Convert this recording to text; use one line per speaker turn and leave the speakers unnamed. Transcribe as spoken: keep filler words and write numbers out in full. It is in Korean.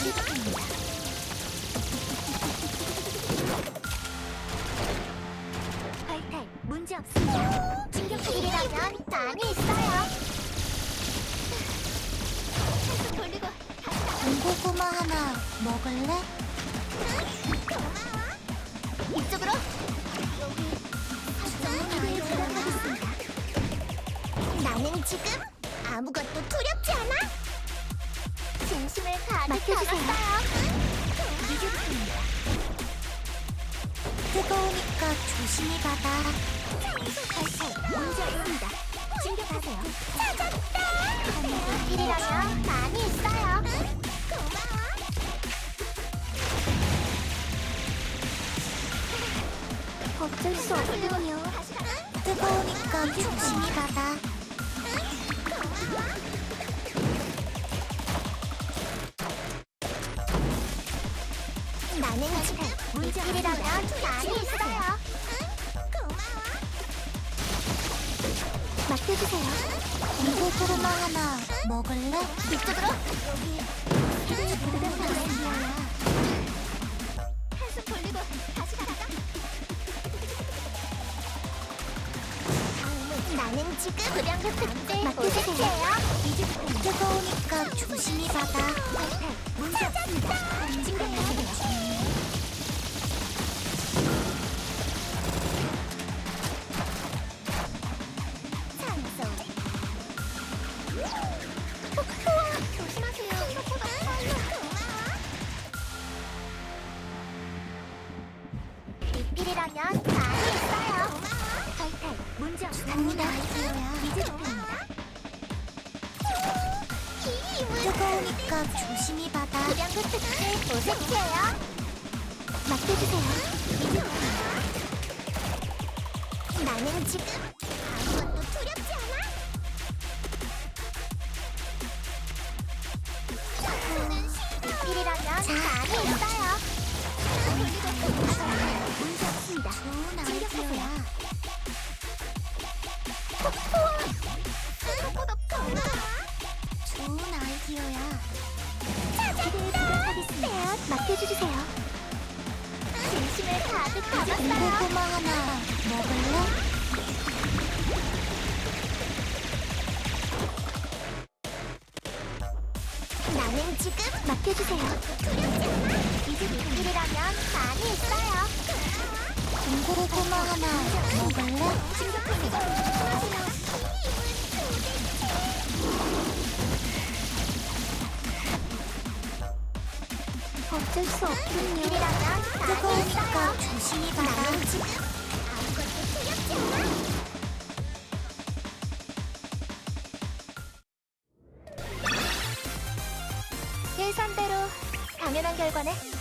이직합니다. 발탈 문제 없습니다. 진격하기라면 많이 있어요. 계속 돌리고.
군고구마 하나 먹을래?
고마워. 이쪽으로. 여기 부탁하겠습니다. 나는 지금 아무것도 두렵지 않아. 진심을 가득 담았어요. 이겼습니다.
뜨거우니까 조심히 받아.
발탈 문제 없습니다. 진격하세요. 찾았다. 일이라면 많이 있어요. 고마워. 어쩔 수 없군요.
뜨거우니까 조심히 받아.
나는 지금 문제일이라면 많이 있어요. 고마워. 맡겨주세요.
군고구마 하나 먹을래?
이쪽으로. 여기 부탁하겠습니다. 한숨 돌리고 다시 가자. 나는 지금 불량급 특대 맡겨주세요.
뜨거우니까 조심히 받아.
문제 없습니다. 진격하세요. 조심하세요. 생각보다 빨라. 리필이라면 많이 있어요. 발탈 문제 없습니다. 이직합니다.
뜨거우니까 조심히 받아.
불량급 특대 오색해요. 맡겨주세요. 이직합니다. 나는 지금 아무것도 두렵지 않아. 리필이라면 많이 있어요. 문제 없습니다.
좋은
진격하세요.
아이디어야.
생각보다 빨라.
좋은 아이디어야.
찾았다. 맡겨주세요. 진심을 가득 담았어요.
군고구마 하나 먹을래?
나는 지금 맡겨주세요. 두렵지 않아. 이제 리필이라면 많이 있어요.
군고구마 하나 먹을래?
진격합니다. 하세요. 어쩔 수 없군요. 일이라면 많이
뜨거우니까
있어요.
조심히 받아.
나는 지금 아무것도 두렵지 않아. 예상대로 당연한 결과네.